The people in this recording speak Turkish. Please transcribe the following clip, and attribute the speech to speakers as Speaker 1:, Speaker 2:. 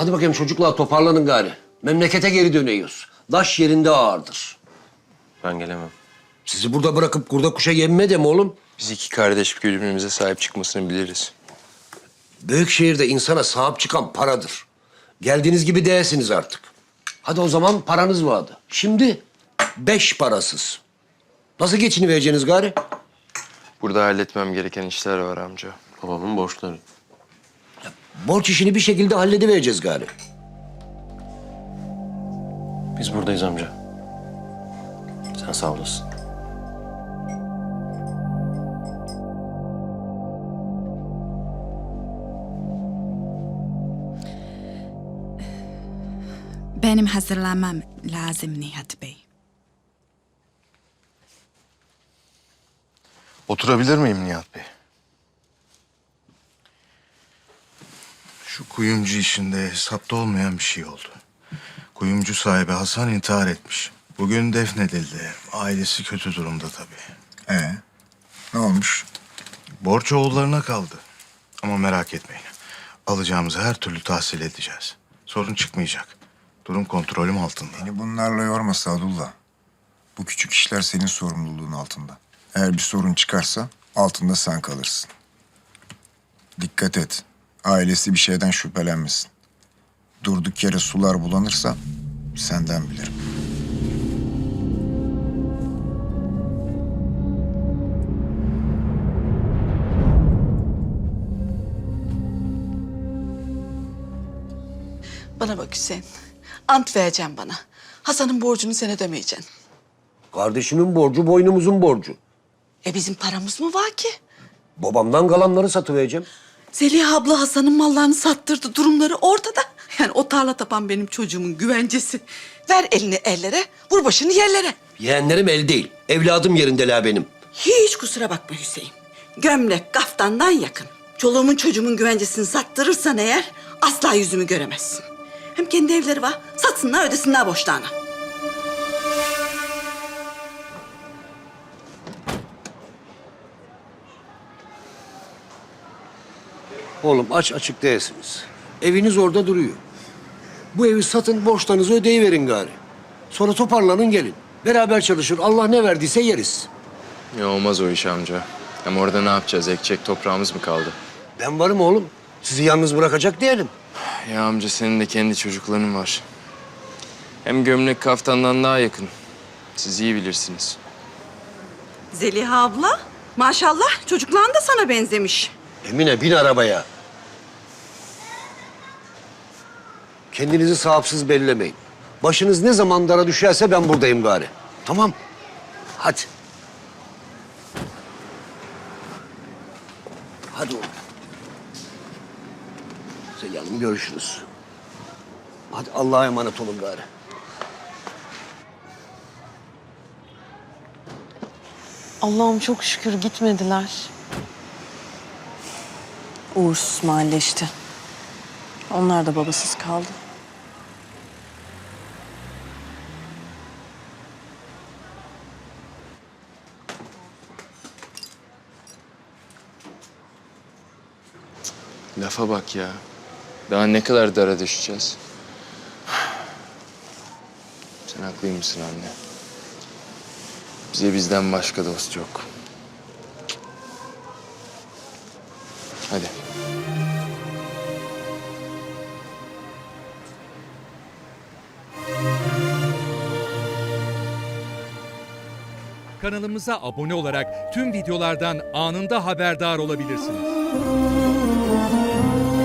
Speaker 1: Hadi bakayım çocuklar toparlanın gari. Memlekete geri dönüyoruz. Daş yerinde ağırdır.
Speaker 2: Ben gelemem.
Speaker 1: Sizi burada bırakıp kurda kuşa yemme de mi oğlum?
Speaker 2: Biz iki kardeş birbirimize sahip çıkmasını biliriz.
Speaker 1: Büyük şehirde insana sahip çıkan paradır. Geldiğiniz gibi değilsiniz artık. Hadi o zaman paranız vardı. Şimdi 5 parasız. Nasıl geçinivereceksiniz gari?
Speaker 2: Burada halletmem gereken işler var amca. Babamın borçları.
Speaker 1: Borç işini bir şekilde halledivereceğiz gari.
Speaker 2: Biz buradayız amca. Sen sağ olasın.
Speaker 3: Benim hazırlanmam lazım Nihat Bey.
Speaker 4: Oturabilir miyim Nihat Bey? Şu kuyumcu işinde hesapta olmayan bir şey oldu. Kuyumcu sahibi Hasan intihar etmiş. Bugün defnedildi. Ailesi kötü durumda tabii.
Speaker 5: Ne olmuş?
Speaker 4: Borç oğullarına kaldı. Ama merak etmeyin. Alacağımızı her türlü tahsil edeceğiz. Sorun çıkmayacak. Durum kontrolüm altında.
Speaker 5: Beni bunlarla yorma Sadullah. Bu küçük işler senin sorumluluğun altında. Eğer bir sorun çıkarsa altında sen kalırsın. Dikkat et. Ailesi bir şeyden şüphelenmesin. Durduk yere sular bulanırsa senden bilirim.
Speaker 6: Bana bak Hüseyin. Ant vereceğim bana. Hasan'ın borcunu sen ödemeyeceksin.
Speaker 1: Kardeşimin borcu boynumuzun borcu.
Speaker 6: Bizim paramız mı var ki?
Speaker 1: Babamdan kalanları satıvereceğim.
Speaker 6: Zeliha abla Hasan'ın mallarını sattırdı. Durumları ortada. Yani o tarla tapan benim çocuğumun güvencesi. Ver elini ellere, vur başını yerlere.
Speaker 1: Yeğenlerim el değil. Evladım yerindeler benim.
Speaker 6: Hiç kusura bakma Hüseyin. Gömlek kaftandan yakın. Çoluğumun çocuğumun güvencesini sattırırsan eğer asla yüzümü göremezsin. Hem kendi evleri var. Satsınlar ödesinler borçlarını.
Speaker 1: Oğlum aç açık değilsiniz. Eviniz orada duruyor. Bu evi satın, borçlarınızı ödeyiverin gari. Sonra toparlanın gelin. Beraber çalışır, Allah ne verdiyse yeriz.
Speaker 2: Ya olmaz o iş amca. Hem orada ne yapacağız? Ekecek toprağımız mı kaldı?
Speaker 1: Ben varım oğlum. Sizi yalnız bırakacak değilim.
Speaker 2: Ya amca senin de kendi çocukların var. Hem gömlek kaftandan daha yakın. Siz iyi bilirsiniz.
Speaker 6: Zeliha abla, maşallah çocukların da sana benzemiş.
Speaker 1: Emine bin arabaya. Kendinizi sahipsiz bellemeyin. Başınız ne zaman dara düşerse ben buradayım gari. Tamam. Hadi. Hadi oğlum. Zeliha Hanım görüşürüz. Hadi Allah'a emanet olun gari.
Speaker 7: Allah'ım çok şükür gitmediler. Uğursuz mahalle işte. Onlar da babasız kaldı.
Speaker 2: Lafa bak ya. Daha ne kadar dara düşeceğiz? Sen haklıymışsın anne. Bize bizden başka dost yok. Hadi.
Speaker 8: Kanalımıza abone olarak tüm videolardan anında haberdar olabilirsiniz.